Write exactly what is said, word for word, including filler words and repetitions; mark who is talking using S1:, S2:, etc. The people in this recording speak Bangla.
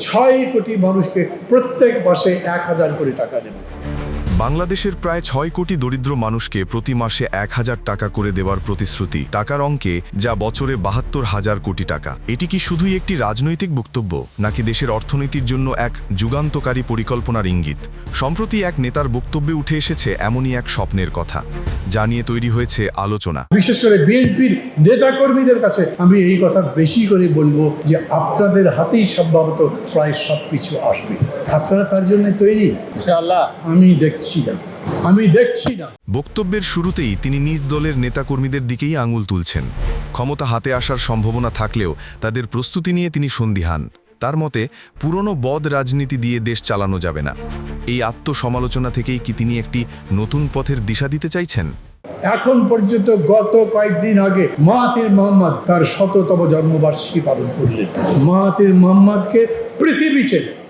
S1: ছয় কোটি মানুষকে প্রত্যেক মাসে এক হাজার করে টাকা দেব।
S2: বাংলাদেশের প্রায় ছয় কোটি দরিদ্র মানুষকে প্রতি মাসে এক হাজার টাকা করে দেওয়ার প্রতিশ্রুতি, টাকার অঙ্কে যা বছরে বাহাত্তর হাজার কোটি টাকা। এটি কি শুধুই একটি রাজনৈতিক বক্তব্য, নাকি দেশের অর্থনীতির জন্য এক যুগান্তকারী পরিকল্পনার ইঙ্গিত? সম্প্রতি এক নেতার বক্তব্যে উঠে এসেছে এমনই এক স্বপ্নের কথা, যা নিয়ে তৈরি হয়েছে আলোচনা।
S1: বিশেষ করে বিএনপির নেতাকর্মীদের কাছে আমি এই কথা বেশি করে বলবো যে আপনাদের হাতেই সম্ভবত প্রায় সব কিছু আসবে। আপনারা তার জন্য তৈরি? ইনশাআল্লাহ। আমি দেখছি না, আমি দেখছি না।
S2: বক্তব্যের শুরুতেই তিনি নিজ দলের নেতাকর্মীদের দিকেই আঙুল তুলছেন। ক্ষমতা হাতে আসার সম্ভাবনা থাকলেও তাদের প্রস্তুতি নিয়ে তিনি সন্দিহান। তার মতে, পুরনো বদ রাজনীতি দিয়ে দেশ চালানো যাবে না। এই আত্মসমালোচনা থেকেই কি তিনি একটি নতুন পথের দিশা দিতে চাইছেন?
S1: এখন পর্যন্ত গত কয়েকদিন আগে মাহাথির মোহাম্মদ তার শততম জন্মবার্ষিকী পালন করলেন। মাহাথির মোহাম্মদকে পৃথিবী চেনে।